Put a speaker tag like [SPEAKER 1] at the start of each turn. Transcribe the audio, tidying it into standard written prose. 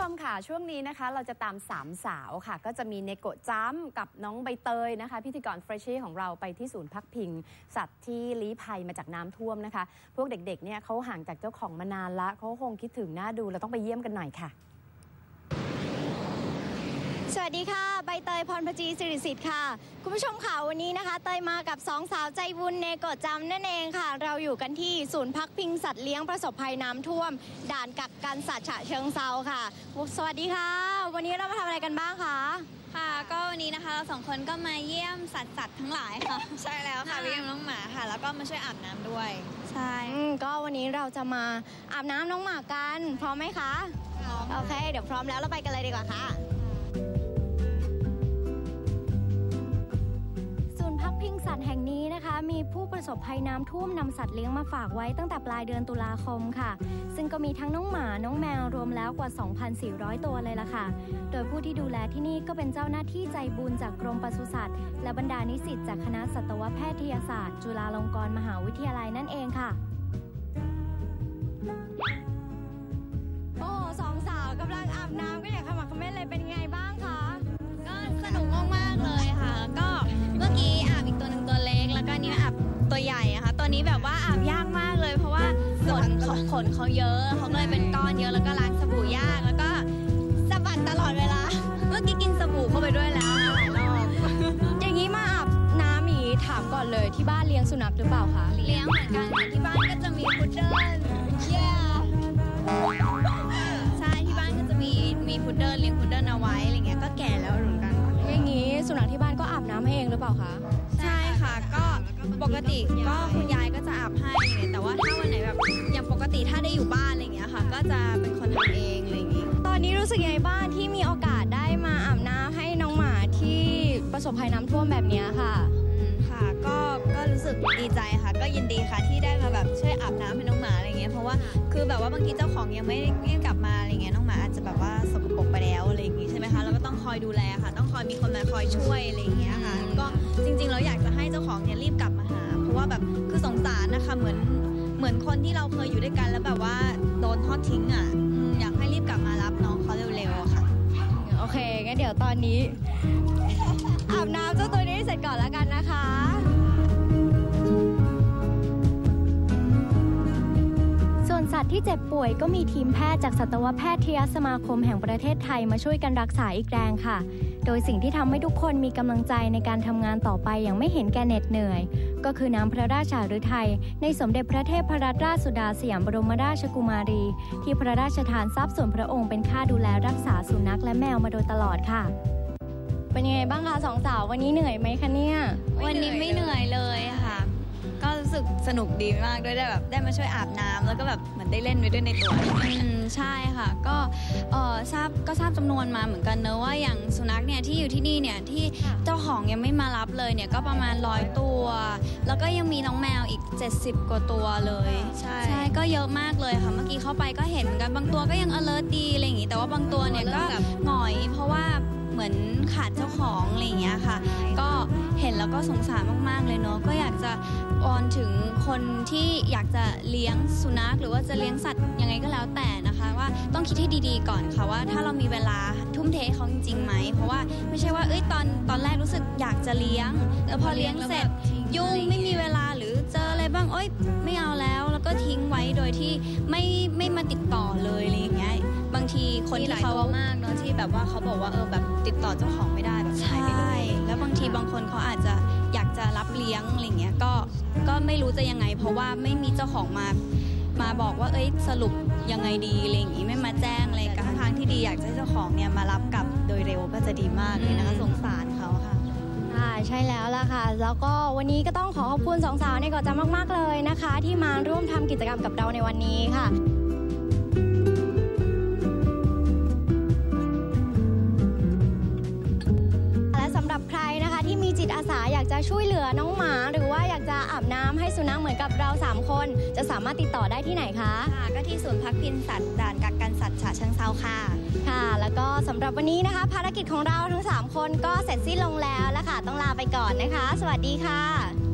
[SPEAKER 1] มค่ะช่วงนี้นะคะเราจะตาม3สาวค่ะก็จะมีเนโกะจ้ำกับน้องใบเตยนะคะพิธีกรเฟรชชี่ของเราไปที่ศูนย์พักพิงสัตว์ที่ลี้ภัยมาจากน้ำท่วมนะคะพวกเด็กๆเนี่ยเขาห่างจากเจ้าของมานานละเขาคงคิดถึงน่าดูเราต้องไปเยี่ยมกันหน่อยค่ะ
[SPEAKER 2] สวัสดีค่ะใบเตยพรพจีสิริสิทธิ์ค่ะคุณผู้ชมค่ะวันนี้นะคะเตยมากับ2สาวใจบุญเนโกะจำนั่นเองค่ะเราอยู่กันที่ศูนย์พักพิงสัตว์เลี้ยงประสบภัยน้ำท่วมด่านกักกันสัตว์ฉะเชิงเทราค่ะสวัสดีค่ะวันนี้เรามาทำอะไรกันบ้างคะ
[SPEAKER 3] ค่ะก็วันนี้นะคะเรา2คนก็มาเยี่ยมสัตว์ทั้งหลายค่ะใช่แล้วค่ะเยี่ยมน้องหมาค่ะแล้วก็มาช่วยอาบน้ำด้วยใช่
[SPEAKER 2] ก็วันนี้เราจะมาอาบน้ำน้องหมากันพร้อมไหมคะโอเคเดี๋ยวพร้อมแล้วเราไปกันเลยดีกว่าค่ะพิงสัตว์แห่งนี้นะคะมีผู้ประสบภัยน้ำท่วมนำสัตว์เลี้ยงมาฝากไว้ตั้งแต่ปลายเดือนตุลาคมค่ะซึ่งก็มีทั้งน้องหมาน้องแมวรวมแล้วกว่า 2,400 ตัวเลยล่ะค่ะโดยผู้ที่ดูแลที่นี่ก็เป็นเจ้าหน้าที่ใจบุญจากกรมปศุสัตว์และบรรดานิสิตจากคณะสัตวแพทยศาสตร์จุฬาลงกรณ์มหาวิทยาลัยนั่นเองค่ะโอ้สองสาวกำลังอาบน้ำก็อยากขมักเขม้นเลยเป็นไงบ้างคะ
[SPEAKER 3] ก็สนุกมากๆเลยค่ะก็เมื่อกี้อาบอีกตัวหนึ่งตัวเล็กแล้วก็นี้อาบตัวใหญ่นะคะตัวนี้แบบว่าอาบยากมากเลยเพราะว่าขนเขาเยอะเขาเลยเป็นก้อนเยอะแล้วก็ล้างสบู่ยากแล้วก็สะบัดตลอดเวลาเมื่อกี้กินสบู่เข้าไปด้วยแล้วหลายรอบ
[SPEAKER 2] อย่างนี้มาอาบน้ำอีถามก่อนเลยที่บ้านเลี้ยงสุนัขหรือเปล่าคะ
[SPEAKER 3] เลี้ยงเหมือนกันที่บ้านก็จะมีพุดเดิ้ลใช่ที่บ้านก็จะมีพุดเดิ้ลเลี้ยงพุดเดิ้ลเอาไว้อะไรเงี้ยก็แก่แล้วเหมือนกัน
[SPEAKER 2] อย่างนี้สุนัขที่บ้านก็อาบน้ำให้เองหรือเปล่าคะ
[SPEAKER 3] ใช่ค่ะก็ปกติก็คุณยายก็จะอาบให้แต่ว่าถ้าวันไหนแบบอย่างปกติถ้าได้อยู่บ้านอะไรเงี้ยค่ะก็จะเป็นคนทำเองอะไรอย่างงี้
[SPEAKER 2] ตอนนี้รู้สึกยังไงบ้างที่มีโอกาสได้มาอาบน้ำให้น้องหมาที่ประสบภัยน้ำท่วมแบบนี้ค่ะ
[SPEAKER 3] ค่ะก็รู้สึกดีใจค่ะก็ยินดีค่ะที่ได้มาแบบช่วยอาบน้ำให้น้องหมาอะไรเงี้ยเพราะว่าคือแบบว่าบางทีเจ้าของยังไม่กลับมาอะไรเงี้ยน้องหมาอาจจะแบบว่าสกปรกไปแล้วอะไรอย่างงี้ใช่ไหมคะเราก็ต้องคอยดูแลค่ะต้องคอยมีคนมาคอยช่วยอะไรอย่างเงี้ยค่ะก็จริงๆเราอยากจะให้เจ้าของเนี่ยรีบกลับมาหาเพราะว่าแบบคือสงสารนะคะเหมือนคนที่เราเคยอยู่ด้วยกันแล้วแบบว่าโดนทอดทิ้งอ่ะอยากให้รีบกลับมารับน้องเขาเร็วๆค่ะ
[SPEAKER 2] โอเคงั้นเดี๋ยวตอนนี้อาบน้ำเจ้าตัวนี้เสร็จก่อนแล้วกันนะคะส่วนสัตว์ที่เจ็บป่วยก็มีทีมแพทย์จากสัตวแพทยสมาคมแห่งประเทศไทยมาช่วยกันรักษาอีกแรงค่ะโดยสิ่งที่ทำให้ทุกคนมีกำลังใจในการทำงานต่อไปอย่างไม่เห็นแก่เหน็ดเหนื่อยก็คือน้ำพระราชาฤทัยในสมเด็จพระเทพรัตนราชสุดาสยามบรมราชกุมารีที่พระราชทานทรัพย์ส่วนพระองค์เป็นค่าดูแลรักษาสุนัขและแมวมาโดยตลอดค่ะเป็นยังไงบ้างคะสองสาววันนี้เหนื่อยไหมคะเนี่ย
[SPEAKER 3] วันนี้ไม่เหนื่อยเลยค่ะก็รู้สึกสนุกดีมากด้วยได้มาช่วยอาบน้ำแล้วก็แบบเหมือนได้เล่นไปด้วยในตัวใช่ค่ะก็ทราบจำนวนมาเหมือนกันเนอะว่าอย่างสุนัขเนี่ยที่อยู่ที่นี่เนี่ยที่เจ้าของยังไม่มารับเลยเนี่ยก็ประมาณ100ตัวแล้วก็ยังมีน้องแมวอีก70กว่าตัวเลยใช่ก็เยอะมากเลยค่ะเมื่อกี้เข้าไปก็เห็นเหมือนกันบางตัวก็ยัง alert ดีอะไรอย่างงี้แต่ว่าบางตัวเนี่ยก็หงอยเพราะว่าเหมือนขาดเจ้าของอะไรอย่างเงี้ยค่ะก็เห็นแล้วก็สงสารมากๆเลยเนาะก็อยากจะวอนถึงคนที่อยากจะเลี้ยงสุนัขหรือว่าจะเลี้ยงสัตว์ยังไงก็แล้วแต่นะคะว่าต้องคิดให้ดีๆก่อนค่ะว่าถ้าเรามีเวลาทุ่มเทเขาจริงๆไหมเพราะว่าไม่ใช่ว่าตอนแรกรู้สึกอยากจะเลี้ยงแต่พอเลี้ยงเสร็จยุ่งไม่มีเวลาหรือเจออะไรบ้างไม่เอาแล้วก็ทิ้งไว้โดยที่ไม่มาติดต่อเลยอะไรอย่างเงี้ยบางทีคนที่เขามากเนาะที่แบบว่าเขาบอกว่าแบบติดต่อเจ้าของไม่ได้แบบหายไปเลยแล้วบางทีบางคนเขาอาจจะอยากจะรับเลี้ยงอะไรเงี้ยก็ไม่รู้จะยังไงเพราะว่าไม่มีเจ้าของมาบอกว่าสรุปยังไงดีอะไรอย่างงี้ไม่มาแจ้งอะไรกันทางที่ดีอยากให้เจ้าของเนี่ยมารับกลับโดยเร็วก็จะดีมากเลยนะคะสงสารเขาค่ะ
[SPEAKER 2] ใช่แล้วล่ะค่ะแล้วก็วันนี้ก็ต้องขอบคุณสองสาวในเกาะจำมากๆเลยนะคะที่มาร่วมทำกิจกรรมกับเราในวันนี้ค่ะและสำหรับใครนะคะที่มีจิตอาสาอยากจะช่วยเหลือน้องหมาหรือว่าอยากจะอาบน้ำให้สุนัขเหมือนกับเรา3คนจะสามารถติดต่อได้ที่ไหนคะ
[SPEAKER 3] ก็ที่ศูนย์พักพิงสัตว์ด่านกักกันสัตว์ฉะเชิงเทราค่ะ
[SPEAKER 2] แล้วก็สำหรับวันนี้นะคะภารกิจของเราทั้ง3คนก็เสร็จสิ้นลงแล้วค่ะต้องลาไปก่อนนะคะสวัสดีค่ะ